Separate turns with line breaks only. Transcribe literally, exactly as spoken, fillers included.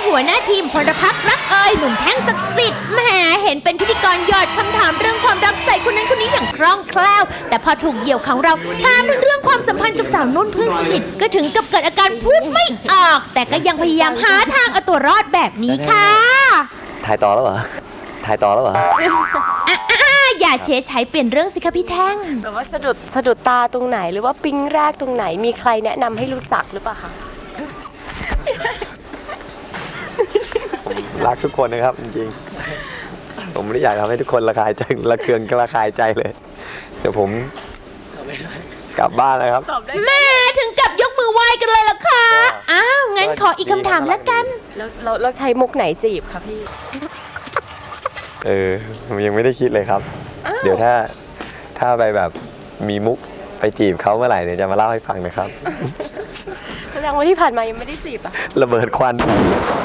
หัวหน้าทีมพลพักรักเอ่ยหนุ่มแท่งศักดิ์สิทธิ์แหมเห็นเป็นพิธีกรหยอดคำถามเรื่องความรักใส่คนนั้นคนนี้อย่างคล่องแคล่วแต่พอถูกเหยี่ยวของเราถามถึงเรื่องความสัมพันธ์กับสาวนุ่นเพื่อนสนิทก็ถึงกับเกิดอาการพูดไม่ออกแต่ก็ยังพยายามหาทางเอาตัวรอดแบบนี้ค่ะ
ถ่ายต่อแล้วเหรอถ่ายต่อแล้วเหรอ
อย่าเชใช้เปลี่ยนเรื่องสิคะพี่แท่ง
แบบว่าสะดุดสะดุดตาตรงไหนหรือว่าปิ๊งแรกตรงไหนมีใครแนะนำให้รู้จักหรือเปล่าคะ
รักทุกคนนะครับจริงๆผมไม่ได้อยากทำให้ทุกคนระคายใจระเคืองกระคายใจเลยเดี๋ยวผมกลับบ้านแล้วครับ
แม่ถึงกับยกมือไหว้กันเลยเหรอคะอ้าวงั้นขออีกคำถามแล้วกัน
แล้วเราเราใช้มุกไหนจีบคะพี่
เออผมยังไม่ได้คิดเลยครับเดี๋ยวถ้าถ้าไปแบบมีมุกไปจีบเขาเมื่อไหร่เดี๋ยวจะมาเล่าให้ฟังนะครับ
แสดงว่าที่ผ่านมายังไม่ได้จีบอ่ะ
ระเบิดควัน